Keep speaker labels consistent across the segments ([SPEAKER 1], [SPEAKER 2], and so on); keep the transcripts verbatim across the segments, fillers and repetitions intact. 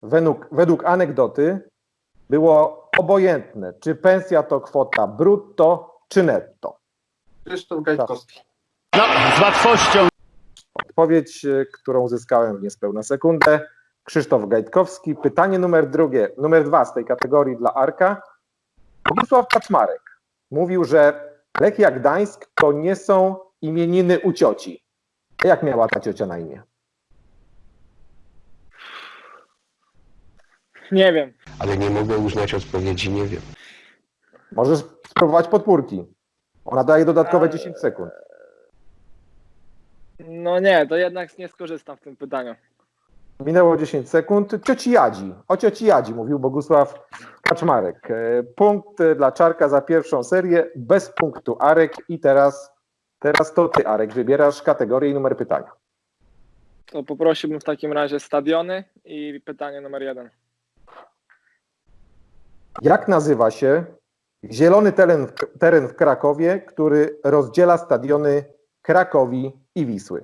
[SPEAKER 1] według, według anegdoty było obojętne, czy pensja to kwota brutto, czy netto.
[SPEAKER 2] Krzysztof Gajtkowski.
[SPEAKER 3] No, z łatwością.
[SPEAKER 1] Odpowiedź, którą uzyskałem w niespełna sekundę. Krzysztof Gajtkowski. Pytanie numer drugie, numer dwa z tej kategorii dla Arka. Bogusław Kaczmarek mówił, że Lechia Gdańsk to nie są imieniny u cioci. A jak miała ta ciocia na imię?
[SPEAKER 4] Nie wiem.
[SPEAKER 5] Ale nie mogę uznać odpowiedzi, nie wiem.
[SPEAKER 1] Możesz spróbować podpórki. Ona daje dodatkowe dziesięć sekund.
[SPEAKER 4] No nie, to jednak nie skorzystam w tym pytaniu.
[SPEAKER 1] Minęło dziesięć sekund. Cioci Jadzi. O cioci Jadzi mówił Bogusław Kaczmarek. Punkt dla Czarka za pierwszą serię. Bez punktu Arek. I teraz, teraz to ty, Arek, wybierasz kategorię i numer pytania.
[SPEAKER 4] To poprosiłbym w takim razie stadiony i pytanie numer jeden.
[SPEAKER 1] Jak nazywa się zielony teren, teren w Krakowie, który rozdziela stadiony Krakowi i Wisły?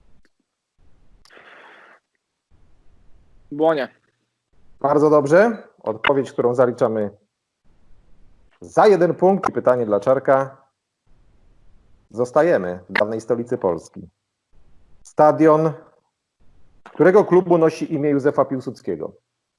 [SPEAKER 4] Błonie.
[SPEAKER 1] Bardzo dobrze. Odpowiedź, którą zaliczamy za jeden punkt. I pytanie dla Czarka. Zostajemy w dawnej stolicy Polski. Stadion którego klubu nosi imię Józefa Piłsudskiego?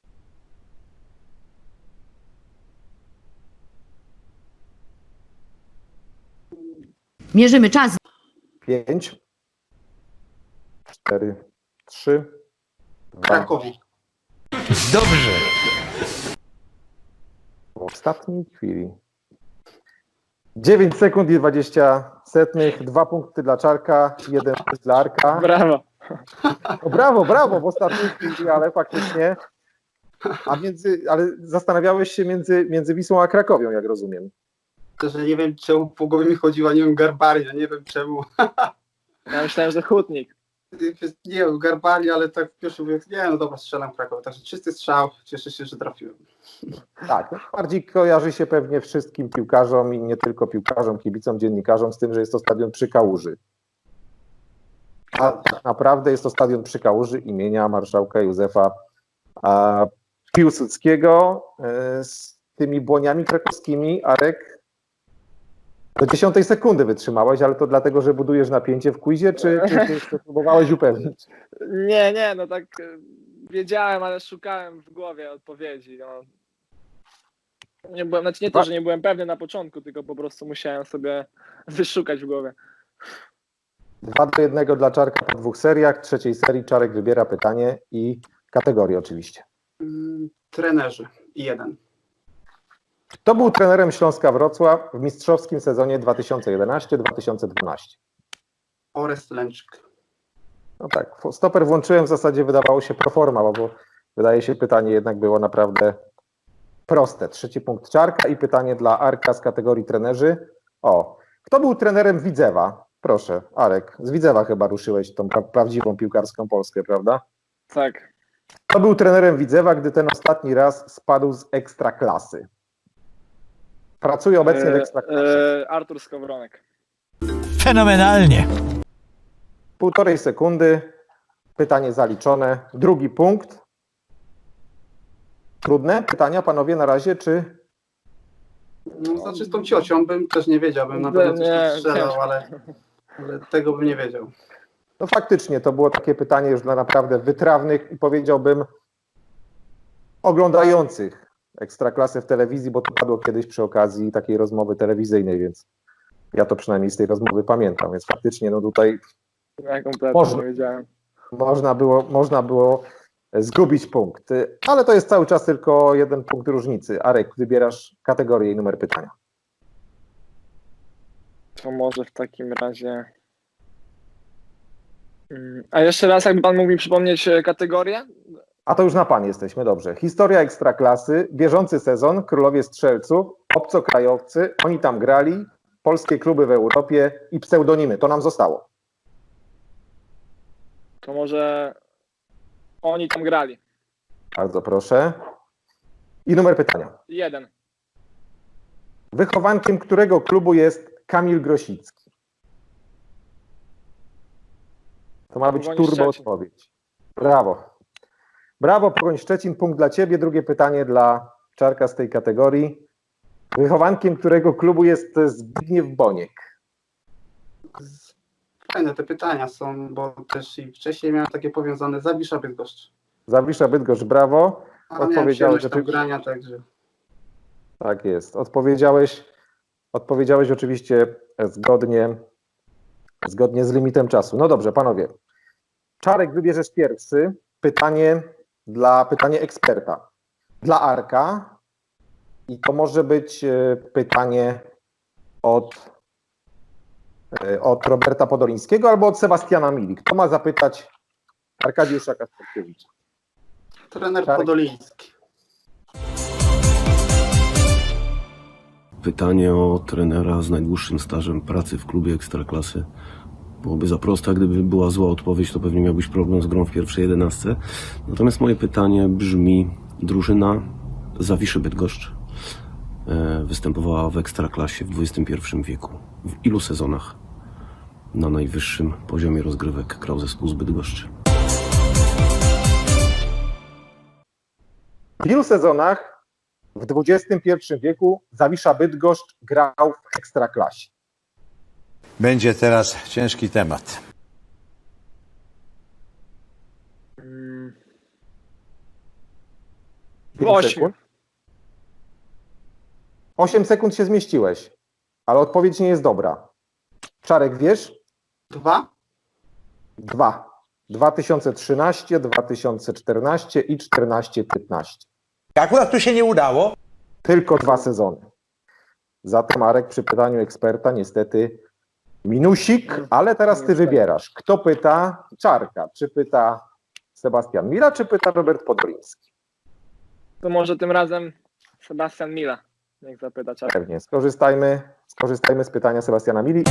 [SPEAKER 6] Mierzymy czas.
[SPEAKER 1] Pięć, cztery, trzy, dwa.
[SPEAKER 2] Krakowi.
[SPEAKER 5] Dobrze.
[SPEAKER 1] W ostatniej chwili. dziewięć sekund i dwadzieścia setnych. Dwa punkty dla Czarka, jeden punkt dla Arka.
[SPEAKER 4] Brawo.
[SPEAKER 1] No brawo, brawo w ostatniej chwili, ale faktycznie. A między, ale zastanawiałeś się między, między Wisłą a Krakowią, jak rozumiem.
[SPEAKER 2] To, że nie wiem, czemu po głowie mi chodziła, nie wiem, Garbaria, nie wiem czemu.
[SPEAKER 4] Ja myślałem, że Hutnik.
[SPEAKER 2] Nie wiem, Garbaria, ale tak w pierwszym mówię, nie no dobra, strzelam Krakowi. Także czysty strzał, cieszę się, że trafiłem.
[SPEAKER 1] Tak, bardziej kojarzy się pewnie wszystkim piłkarzom i nie tylko piłkarzom, kibicom, dziennikarzom z tym, że jest to stadion przy Kałuży. A tak naprawdę jest to stadion przy Kałuży imienia marszałka Józefa a, Piłsudskiego. E, z tymi błoniami krakowskimi, Arek, do dziesiątej sekundy wytrzymałeś, ale to dlatego, że budujesz napięcie w quizie, czy, czy, czy, czy próbowałeś upewnić?
[SPEAKER 4] Nie, nie, no tak e, wiedziałem, ale szukałem w głowie odpowiedzi. No. Nie byłem, znaczy nie to, że nie byłem pewny na początku, tylko po prostu musiałem sobie wyszukać w głowie.
[SPEAKER 1] Dwa do jednego dla Czarka po dwóch seriach. W trzeciej serii Czarek wybiera pytanie i kategorię oczywiście.
[SPEAKER 2] Mm, trenerzy. I jeden.
[SPEAKER 1] Kto był trenerem Śląska Wrocław w mistrzowskim sezonie dwa tysiące jedenasty dwa tysiące dwanaście?
[SPEAKER 2] Orest Lęczyk.
[SPEAKER 1] No tak, stoper włączyłem, w zasadzie wydawało się pro forma, bo wydaje się pytanie jednak było naprawdę proste. Trzeci punkt Czarka i pytanie dla Arka z kategorii trenerzy. O, kto był trenerem Widzewa? Proszę, Arek, z Widzewa chyba ruszyłeś tą pra- prawdziwą piłkarską Polskę, prawda?
[SPEAKER 4] Tak.
[SPEAKER 1] Kto był trenerem Widzewa, gdy ten ostatni raz spadł z Ekstraklasy? Pracuje obecnie w Ekstraklasie.
[SPEAKER 4] E, Artur Skowronek.
[SPEAKER 3] Fenomenalnie.
[SPEAKER 1] Półtorej sekundy. Pytanie zaliczone. Drugi punkt. Trudne pytania, panowie, na razie, czy...
[SPEAKER 2] No, znaczy z tą ciocią bym też nie wiedział, bym na pewno coś tam strzelał, ale, ale tego bym nie wiedział.
[SPEAKER 1] No faktycznie, to było takie pytanie już dla naprawdę wytrawnych i powiedziałbym oglądających Ekstraklasę w telewizji, bo to padło kiedyś przy okazji takiej rozmowy telewizyjnej, więc ja to przynajmniej z tej rozmowy pamiętam, więc faktycznie no tutaj
[SPEAKER 4] Ja kompletnie
[SPEAKER 1] Można.
[SPEAKER 4] nie wiedziałem.
[SPEAKER 1] można było, można było zgubić punkt, ale to jest cały czas tylko jeden punkt różnicy. Arek, wybierasz kategorię i numer pytania.
[SPEAKER 4] To może w takim razie... Mm, A jeszcze raz, jakby pan mógł mi przypomnieć e, kategorię?
[SPEAKER 1] A to już na pan jesteśmy, dobrze. Historia Ekstraklasy, bieżący sezon, Królowie Strzelców, obcokrajowcy, oni tam grali, polskie kluby w Europie i pseudonimy. To nam zostało.
[SPEAKER 4] To może oni tam grali.
[SPEAKER 1] Bardzo proszę. I numer pytania.
[SPEAKER 4] Jeden.
[SPEAKER 1] Wychowankiem którego klubu jest Kamil Grosicki? To ma być
[SPEAKER 4] Pogoni
[SPEAKER 1] turbo
[SPEAKER 4] Szczecin.
[SPEAKER 1] odpowiedź. Brawo. Brawo, Pogoń Szczecin, punkt dla ciebie. Drugie pytanie dla Czarka z tej kategorii. Wychowankiem którego klubu jest Zbigniew Boniek?
[SPEAKER 2] Fajne te pytania są, bo też i wcześniej miałem takie powiązane. Zawisza Bydgoszcz.
[SPEAKER 1] Zawisza Bydgoszcz, brawo.
[SPEAKER 2] A miałem
[SPEAKER 1] Odpowiedziałeś
[SPEAKER 2] przyjemność tam
[SPEAKER 1] oczywiście.
[SPEAKER 2] grania, także...
[SPEAKER 1] Tak jest. Odpowiedziałeś, odpowiedziałeś oczywiście zgodnie, zgodnie z limitem czasu. No dobrze, panowie. Czarek, wybierzesz pierwszy. Pytanie dla pytanie eksperta. Dla Arka. I to może być e, pytanie od, e, od Roberta Podolińskiego albo od Sebastiana Mili. Kto ma zapytać Arkadiusza Kasperkiewicza?
[SPEAKER 2] Trener
[SPEAKER 1] Czarek.
[SPEAKER 2] Podoliński.
[SPEAKER 5] Pytanie o trenera z najdłuższym stażem pracy w klubie Ekstraklasy. Byłoby za proste, a gdyby była zła odpowiedź, to pewnie miałbyś problem z grą w pierwszej jedenastce. Natomiast moje pytanie brzmi: drużyna Zawiszy Bydgoszcz e, występowała w Ekstraklasie w dwudziestym pierwszym wieku. W ilu sezonach na najwyższym poziomie rozgrywek grał zespół z Bydgoszczy?
[SPEAKER 1] W ilu sezonach w dwudziestym pierwszym wieku Zawisza Bydgoszcz grał w Ekstraklasie?
[SPEAKER 3] Będzie teraz ciężki temat.
[SPEAKER 4] Mm,
[SPEAKER 1] Pięć
[SPEAKER 4] Osiem.
[SPEAKER 1] sekund. Osiem sekund się zmieściłeś, ale odpowiedź nie jest dobra. Czarek, wiesz?
[SPEAKER 2] Dwa?
[SPEAKER 1] Dwa. dwa tysiące trzynaście, dwa tysiące czternaście i czternaście piętnaście.
[SPEAKER 3] Akurat tu się nie udało.
[SPEAKER 1] Tylko dwa sezony. Zatem Marek przy pytaniu eksperta niestety minusik, ale teraz ty wybierasz. Kto pyta Czarka? Czy pyta Sebastian Mila, czy pyta Robert Podoliński?
[SPEAKER 4] To może tym razem Sebastian Mila. Niech zapyta Czarek.
[SPEAKER 1] Pewnie. Skorzystajmy, skorzystajmy z pytania Sebastiana Mili.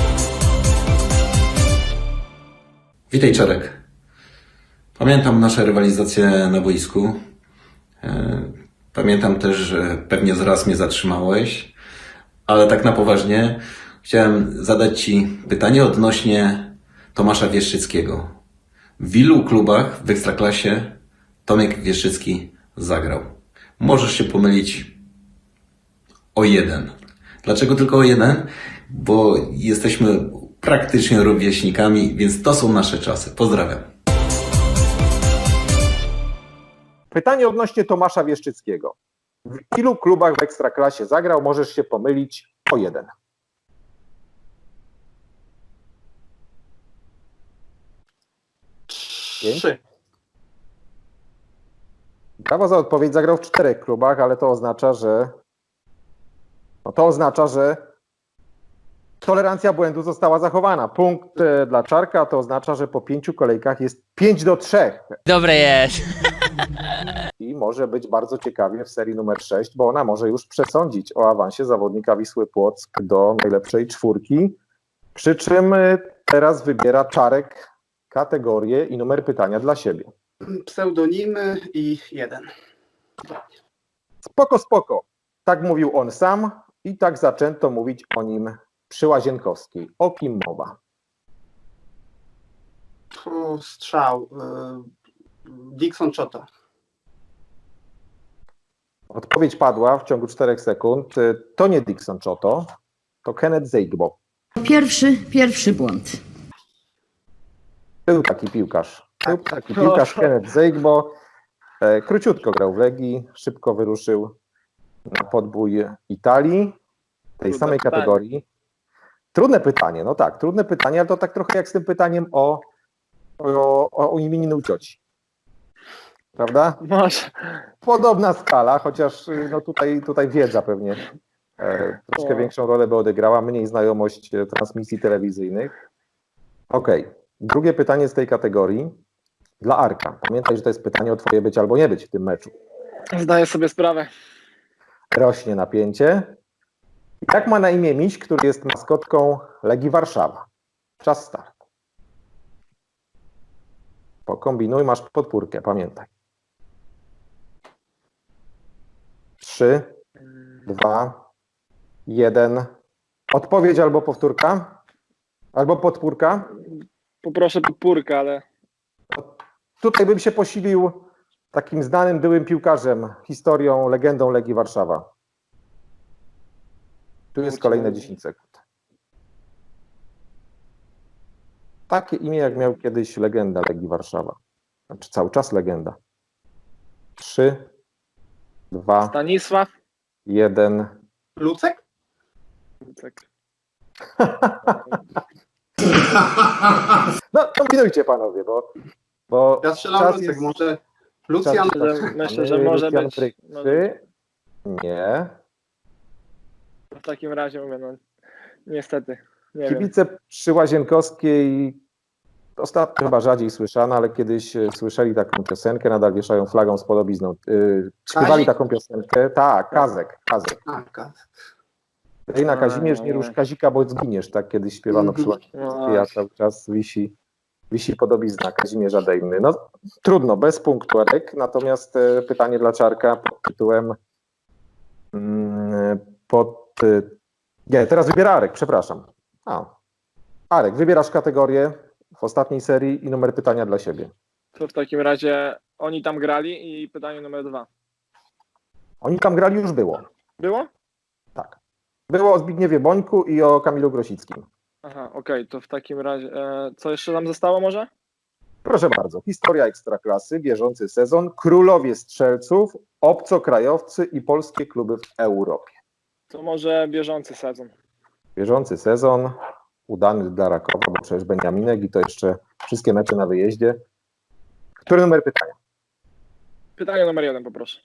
[SPEAKER 6] Witaj, Czarek. Pamiętam nasze rywalizacje na boisku. E, Pamiętam też, że pewnie zaraz mnie zatrzymałeś, ale tak na poważnie chciałem zadać Ci pytanie odnośnie Tomasza Wieszczyckiego. W ilu klubach w Ekstraklasie Tomek Wieszczycki zagrał? Możesz się pomylić o jeden. Dlaczego tylko o jeden? Bo jesteśmy praktycznie rówieśnikami, więc to są nasze czasy. Pozdrawiam.
[SPEAKER 1] Pytanie odnośnie Tomasza Wieszczyckiego. W ilu klubach w Ekstraklasie zagrał? Możesz się pomylić o jeden.
[SPEAKER 2] Trzy.
[SPEAKER 1] Brawo za odpowiedź. Zagrał w czterech klubach, ale to oznacza, że no to oznacza, że tolerancja błędu została zachowana. Punkt e, dla Czarka to oznacza, że po pięciu kolejkach jest pięć do trzech.
[SPEAKER 7] Dobre jest.
[SPEAKER 1] I może być bardzo ciekawie w serii numer sześć, bo ona może już przesądzić o awansie zawodnika Wisły Płock do najlepszej czwórki. Przy czym e, teraz wybiera Czarek kategorię i numer pytania dla siebie.
[SPEAKER 2] Pseudonimy i jeden.
[SPEAKER 1] Spoko, spoko. Tak mówił on sam i tak zaczęto mówić o nim przy Łazienkowskiej. O kim mowa?
[SPEAKER 2] O, strzał. y, Dixon Chota.
[SPEAKER 1] Odpowiedź padła w ciągu czterech sekund. To nie Dixon Chotto, to Kenneth Zeigbo.
[SPEAKER 8] Pierwszy, pierwszy błąd.
[SPEAKER 1] Był taki piłkarz. Był taki piłkarz Kenneth Zeigbo. E, Króciutko grał w Legii, szybko wyruszył na podbój Italii, tej
[SPEAKER 4] Trudne
[SPEAKER 1] samej
[SPEAKER 4] pytanie.
[SPEAKER 1] kategorii. Trudne pytanie, no tak, trudne pytanie, ale to tak trochę jak z tym pytaniem o, o, o imieniu cioci. Prawda?
[SPEAKER 4] Może.
[SPEAKER 1] Podobna skala, chociaż no tutaj, tutaj wiedza pewnie e, troszkę
[SPEAKER 4] O.
[SPEAKER 1] większą rolę by odegrała, mniej znajomość e, transmisji telewizyjnych. Okej, drugie pytanie z tej kategorii dla Arka. Pamiętaj, że to jest pytanie o twoje być albo nie być w tym meczu.
[SPEAKER 4] Zdaję sobie sprawę.
[SPEAKER 1] Rośnie napięcie. Jak ma na imię miś, który jest maskotką Legii Warszawa? Czas start. Pokombinuj, masz podpórkę, pamiętaj. Trzy, dwa, jeden. Odpowiedź albo powtórka, albo podpórka.
[SPEAKER 4] Poproszę podpórkę, ale
[SPEAKER 1] Tutaj bym się posilił takim znanym byłym piłkarzem, historią, legendą Legii Warszawa? Tu jest kolejne dziesięć sekund. Takie imię, jak miał kiedyś legenda Legii Warszawa. Znaczy cały czas legenda. Trzy, dwa,
[SPEAKER 4] Stanisław?
[SPEAKER 1] jeden.
[SPEAKER 2] Lucek?
[SPEAKER 4] Tak.
[SPEAKER 1] No, kombinujcie panowie, bo... bo
[SPEAKER 2] Ja strzelam
[SPEAKER 1] czas
[SPEAKER 2] Lucek,
[SPEAKER 1] jest-
[SPEAKER 2] może Lucjan?
[SPEAKER 1] czas jest-
[SPEAKER 4] Myślę, myślę, że może
[SPEAKER 1] Lucjan
[SPEAKER 4] być.
[SPEAKER 1] Bryk.
[SPEAKER 4] Może
[SPEAKER 1] Trzy. Nie.
[SPEAKER 4] w takim razie mówię, no niestety. Nie wiem.
[SPEAKER 1] Kibice przy Łazienkowskiej ostatnio chyba rzadziej słyszano, ale kiedyś e, słyszeli taką piosenkę, nadal wieszają flagą z podobizną. Yy, śpiewali
[SPEAKER 2] Kazik?
[SPEAKER 1] taką piosenkę. Tak, Kazek, Kazek.
[SPEAKER 2] A, ka-
[SPEAKER 1] Ej, Kazimierz, nie rusz Kazika, bo zginiesz, tak kiedyś śpiewano przy Łazienkowskiej, a cały czas wisi, wisi podobizna Kazimierza Dejmy. No trudno, bez punktu, Arek. Natomiast e, pytanie dla Czarka pod tytułem mm, pod... E, nie, teraz wybiera Arek, przepraszam. A. Arek, wybierasz kategorię w ostatniej serii i numer pytania dla siebie.
[SPEAKER 4] To w takim razie oni tam grali i pytanie numer dwa.
[SPEAKER 1] Oni tam grali, już było.
[SPEAKER 4] Było?
[SPEAKER 1] Tak. Było o Zbigniewie Bońku i o Kamilu Grosickim.
[SPEAKER 4] Aha, okej, to w takim razie e, co jeszcze tam zostało może?
[SPEAKER 1] Proszę bardzo. Historia Ekstraklasy, bieżący sezon, królowie strzelców, obcokrajowcy i polskie kluby w Europie.
[SPEAKER 4] To może bieżący sezon.
[SPEAKER 1] Bieżący sezon, udany dla Rakowa, bo przecież Beniaminek i to jeszcze wszystkie mecze na wyjeździe. Który numer pytania?
[SPEAKER 4] Pytanie numer jeden poproszę.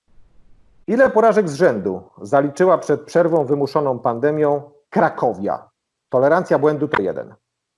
[SPEAKER 1] Ile porażek z rzędu zaliczyła przed przerwą wymuszoną pandemią Krakowia? Tolerancja błędu to jeden.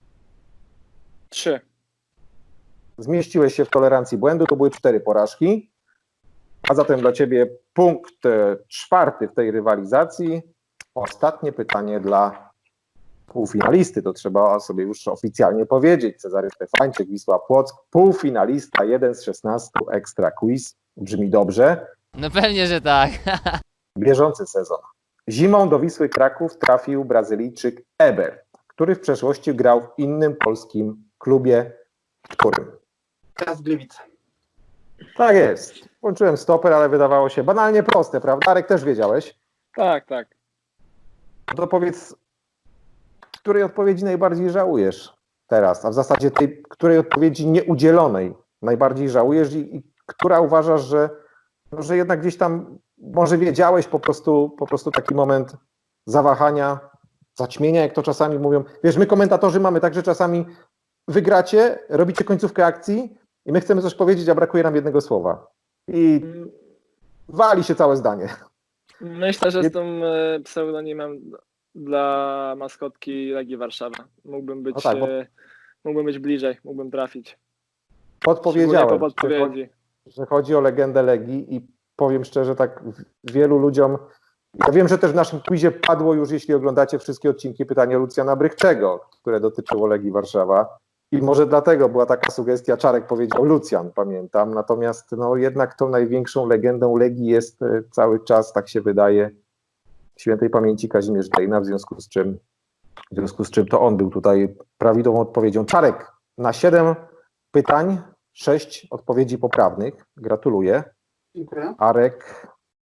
[SPEAKER 4] Trzy.
[SPEAKER 1] Zmieściłeś się w tolerancji błędu, to były cztery porażki. A zatem dla ciebie punkt e, czwarty w tej rywalizacji. Ostatnie pytanie dla półfinalisty, to trzeba sobie już oficjalnie powiedzieć. Cezary Stefańczyk, Wisła Płock, półfinalista, jeden z szesnastu Ekstra Quiz. Brzmi dobrze.
[SPEAKER 7] No pewnie, że tak.
[SPEAKER 1] Bieżący sezon. Zimą do Wisły Kraków trafił Brazylijczyk Eber, który w przeszłości grał w innym polskim klubie. Którym?
[SPEAKER 2] Piast Gliwice.
[SPEAKER 1] Tak jest. Włączyłem stoper, ale wydawało się banalnie proste, prawda? Arek, też wiedziałeś?
[SPEAKER 4] Tak, tak.
[SPEAKER 1] No to powiedz, której odpowiedzi najbardziej żałujesz teraz, a w zasadzie tej, której odpowiedzi nieudzielonej najbardziej żałujesz i, i która uważasz, że, no, że jednak gdzieś tam może wiedziałeś, po prostu, po prostu taki moment zawahania, zaćmienia, jak to czasami mówią. Wiesz, my komentatorzy mamy tak, że czasami wygracie, robicie końcówkę akcji i my chcemy coś powiedzieć, a brakuje nam jednego słowa. I wali się całe zdanie.
[SPEAKER 4] Myślę, że z tym e, pseudonimem dla maskotki Legii Warszawa. Mógłbym być,
[SPEAKER 1] No tak, bo-
[SPEAKER 4] e, mógłbym być bliżej, mógłbym trafić.
[SPEAKER 1] Podpowiedziałem,
[SPEAKER 4] Szczególnie po
[SPEAKER 1] że chodzi,
[SPEAKER 4] podpowiedzi.
[SPEAKER 1] że chodzi o legendę Legii i powiem szczerze, tak wielu ludziom, ja wiem, że też w naszym quizie padło już, jeśli oglądacie wszystkie odcinki, pytanie Lucjana Brychczego, które dotyczyło Legii Warszawa i może dlatego była taka sugestia, Czarek powiedział Lucjan, pamiętam, natomiast no jednak tą największą legendą Legii jest e, cały czas, tak się wydaje, świętej pamięci Kazimierz Dejna, w związku z czym w związku z czym to on był tutaj prawidłową odpowiedzią. Czarek, na siedem pytań, sześć odpowiedzi poprawnych. Gratuluję.
[SPEAKER 2] Dziękuję.
[SPEAKER 1] Arek,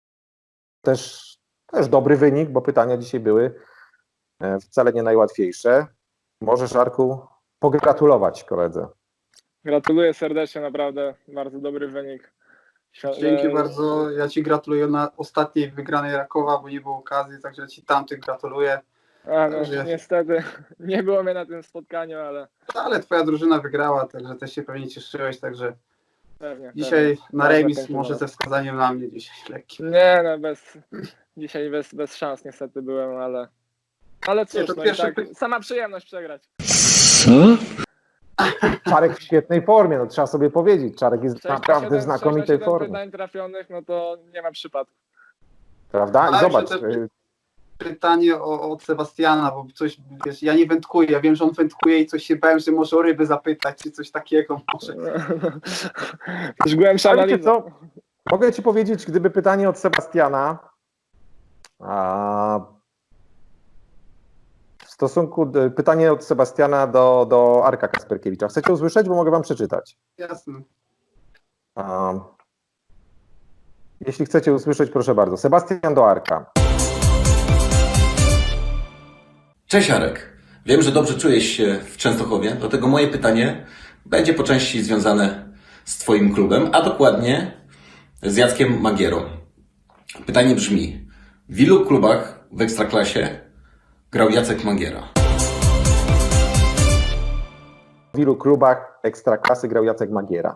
[SPEAKER 1] też, też dobry wynik, bo pytania dzisiaj były e, wcale nie najłatwiejsze. Możesz, Arku, pogratulować koledze.
[SPEAKER 4] Gratuluję serdecznie, naprawdę bardzo dobry wynik. Świ-
[SPEAKER 2] Dzięki
[SPEAKER 4] e,
[SPEAKER 2] bardzo. Ja Ci gratuluję na ostatniej wygranej Rakowa, bo nie było okazji, także Ci tamtych gratuluję.
[SPEAKER 4] A, no,
[SPEAKER 2] Także-
[SPEAKER 4] niestety nie było mnie na tym spotkaniu, ale
[SPEAKER 2] Ale Twoja drużyna wygrała, także też się pewnie cieszyłeś, także
[SPEAKER 4] pewnie.
[SPEAKER 2] dzisiaj
[SPEAKER 4] pewnie.
[SPEAKER 2] na
[SPEAKER 4] Bardzo
[SPEAKER 2] remis
[SPEAKER 4] chętnie
[SPEAKER 2] może
[SPEAKER 4] nawet.
[SPEAKER 2] ze wskazaniem na mnie dzisiaj lekkim.
[SPEAKER 4] Nie, no bez, dzisiaj bez, bez szans niestety byłem, ale ale
[SPEAKER 2] Nie,
[SPEAKER 4] cóż,
[SPEAKER 2] to
[SPEAKER 4] no i
[SPEAKER 2] pierwsze
[SPEAKER 4] tak,
[SPEAKER 2] py-
[SPEAKER 4] sama przyjemność przegrać.
[SPEAKER 1] Czarek w świetnej formie, no trzeba sobie powiedzieć. Czarek jest
[SPEAKER 4] sześć na
[SPEAKER 1] naprawdę w
[SPEAKER 4] siedem
[SPEAKER 1] znakomitej
[SPEAKER 4] sześć na siedem
[SPEAKER 1] formie.
[SPEAKER 4] pytań trafionych, no to nie ma przypadku.
[SPEAKER 1] Prawda? I
[SPEAKER 2] Ale
[SPEAKER 1] zobacz,
[SPEAKER 2] że te-
[SPEAKER 1] y,
[SPEAKER 2] Pytanie o, od Sebastiana, bo coś, wiesz, ja nie wędkuję, ja wiem, że on wędkuje i coś się bałem, że może o ryby zapytać, czy coś takiego może.
[SPEAKER 4] Już głębsza
[SPEAKER 1] Ale wiecie
[SPEAKER 4] analiza.
[SPEAKER 1] co? Mogę ci powiedzieć, gdyby pytanie od Sebastiana a, w stosunku do, pytanie od Sebastiana do, do Arka Kasperkiewicza. Chcecie usłyszeć, bo mogę wam przeczytać.
[SPEAKER 2] Jasne.
[SPEAKER 1] A, Jeśli chcecie usłyszeć, proszę bardzo. Sebastian do Arka.
[SPEAKER 6] Cześć Arek. Wiem, że dobrze czujesz się w Częstochowie, dlatego moje pytanie będzie po części związane z Twoim klubem, a dokładnie z Jackiem Magierą. Pytanie brzmi, w ilu klubach w Ekstraklasie grał Jacek Magiera?
[SPEAKER 1] W ilu klubach Ekstraklasy grał Jacek Magiera?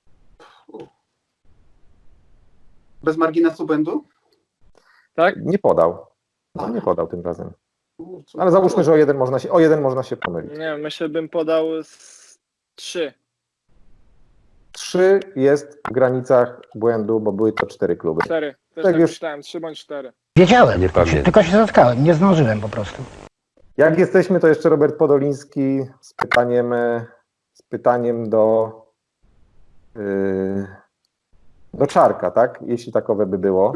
[SPEAKER 2] Bez marginesu błędu?
[SPEAKER 4] Tak?
[SPEAKER 1] Nie podał. No, nie podał tym razem. Ale załóżmy, że o jeden można się, o jeden można się pomylić.
[SPEAKER 4] Nie wiem, myślę, bym podał z trzy.
[SPEAKER 1] Trzy jest w granicach błędu, bo były to cztery kluby.
[SPEAKER 4] Cztery. Też
[SPEAKER 1] Tak
[SPEAKER 4] tak
[SPEAKER 1] już-
[SPEAKER 4] myślałem, trzy bądź cztery.
[SPEAKER 7] Wiedziałem, tylko się zatkałem, nie zdążyłem po prostu.
[SPEAKER 1] Jak jesteśmy, to jeszcze Robert Podoliński z pytaniem, e, z pytaniem do, yy, do Czarka, tak? Jeśli takowe by było.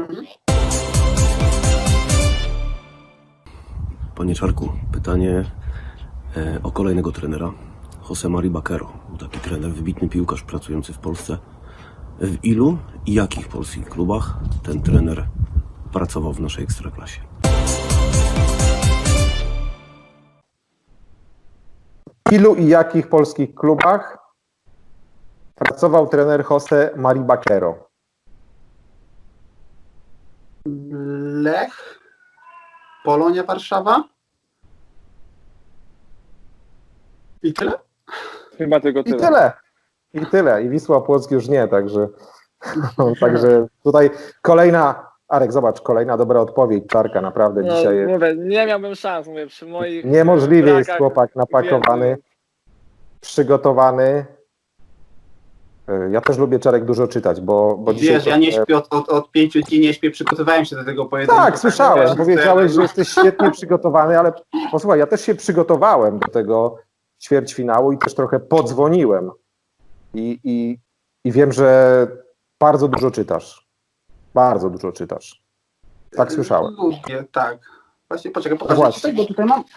[SPEAKER 5] Panie Czarku, pytanie e, o kolejnego trenera. José Mari Baquero. Był taki trener, wybitny piłkarz pracujący w Polsce. W ilu i jakich polskich klubach ten trener pracował w naszej Ekstraklasie?
[SPEAKER 1] W ilu i jakich polskich klubach pracował trener José Mari Baquero?
[SPEAKER 2] Lech? Polonia Warszawa? I tyle?
[SPEAKER 4] Chyba tylko
[SPEAKER 1] I
[SPEAKER 4] tyle.
[SPEAKER 1] tyle. I tyle. I Wisła Płock już nie, także, także tutaj kolejna, Arek, zobacz, kolejna dobra odpowiedź Czarka, naprawdę
[SPEAKER 4] No,
[SPEAKER 1] dzisiaj jest.
[SPEAKER 4] mówię, nie miałbym szans, mówię, przy moich
[SPEAKER 1] Niemożliwie jest
[SPEAKER 4] brakach
[SPEAKER 1] chłopak napakowany,
[SPEAKER 4] wiedzy.
[SPEAKER 1] przygotowany. Y, Ja też lubię, Czarek, dużo czytać, bo, bo dzisiaj...
[SPEAKER 2] Wiesz, ja nie
[SPEAKER 1] trochę-
[SPEAKER 2] śpię od, od, od pięciu dni, nie śpię, przygotowałem się do tego pojedynku.
[SPEAKER 1] Tak, słyszałem,
[SPEAKER 2] wiesz,
[SPEAKER 1] powiedziałeś,
[SPEAKER 2] to-
[SPEAKER 1] że jesteś świetnie przygotowany, ale posłuchaj, ja też się przygotowałem do tego ćwierćfinału i też trochę podzwoniłem. I, i, i wiem, że bardzo dużo czytasz. Bardzo dużo czytasz. Tak słyszałem.
[SPEAKER 2] Lubię, tak. Właśnie, poczekaj,
[SPEAKER 1] No
[SPEAKER 2] pokażę
[SPEAKER 1] właśnie.
[SPEAKER 2] ci tutaj, bo tutaj mam...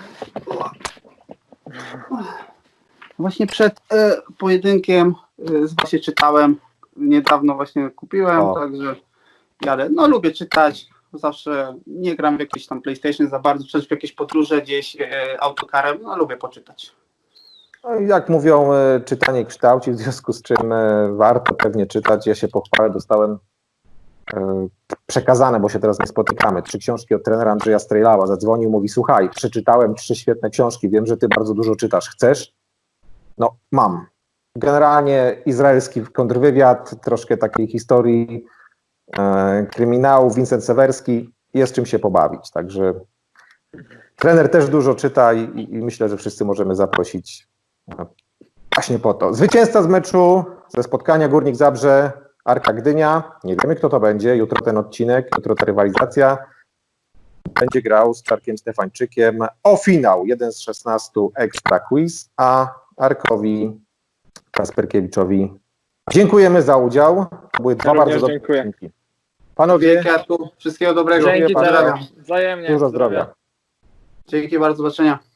[SPEAKER 2] Właśnie przed e, pojedynkiem e, właśnie czytałem, niedawno właśnie kupiłem,
[SPEAKER 1] O.
[SPEAKER 2] także jadę. No lubię czytać, zawsze nie gram w jakieś tam PlayStation za bardzo, czy w jakieś podróże gdzieś e, autokarem, no lubię poczytać.
[SPEAKER 1] No i jak mówią, e, czytanie kształci, w związku z czym e, warto pewnie czytać. Ja się pochwalę, dostałem e, przekazane, bo się teraz nie spotykamy, trzy książki od trenera Andrzeja Strejlała. Zadzwonił, mówi, słuchaj, przeczytałem trzy świetne książki, wiem, że ty bardzo dużo czytasz, chcesz? No, mam. Generalnie izraelski kontrwywiad, troszkę takiej historii e, kryminału, Vincent Sewerski, jest czym się pobawić, także trener też dużo czyta i, i, i myślę, że wszyscy możemy zaprosić e, właśnie po to. Zwycięzca z meczu, ze spotkania Górnik Zabrze, Arka Gdynia, nie wiemy kto to będzie, jutro ten odcinek, jutro ta rywalizacja, będzie grał z Czarkiem Stefańczykiem o finał, jeden z szesnastu Extra Quiz, a Arkowi Kasperkiewiczowi dziękujemy za udział. To były dwa
[SPEAKER 4] również
[SPEAKER 1] bardzo dobre
[SPEAKER 4] dziękuję.
[SPEAKER 1] odcinki. Panowie,
[SPEAKER 2] Dzięki Arku, wszystkiego dobrego.
[SPEAKER 4] Dzięki,
[SPEAKER 1] Pozdrawiam.
[SPEAKER 4] Czarek. Wzajemnie.
[SPEAKER 1] dużo zdrowia.
[SPEAKER 2] Dzięki bardzo, do zobaczenia.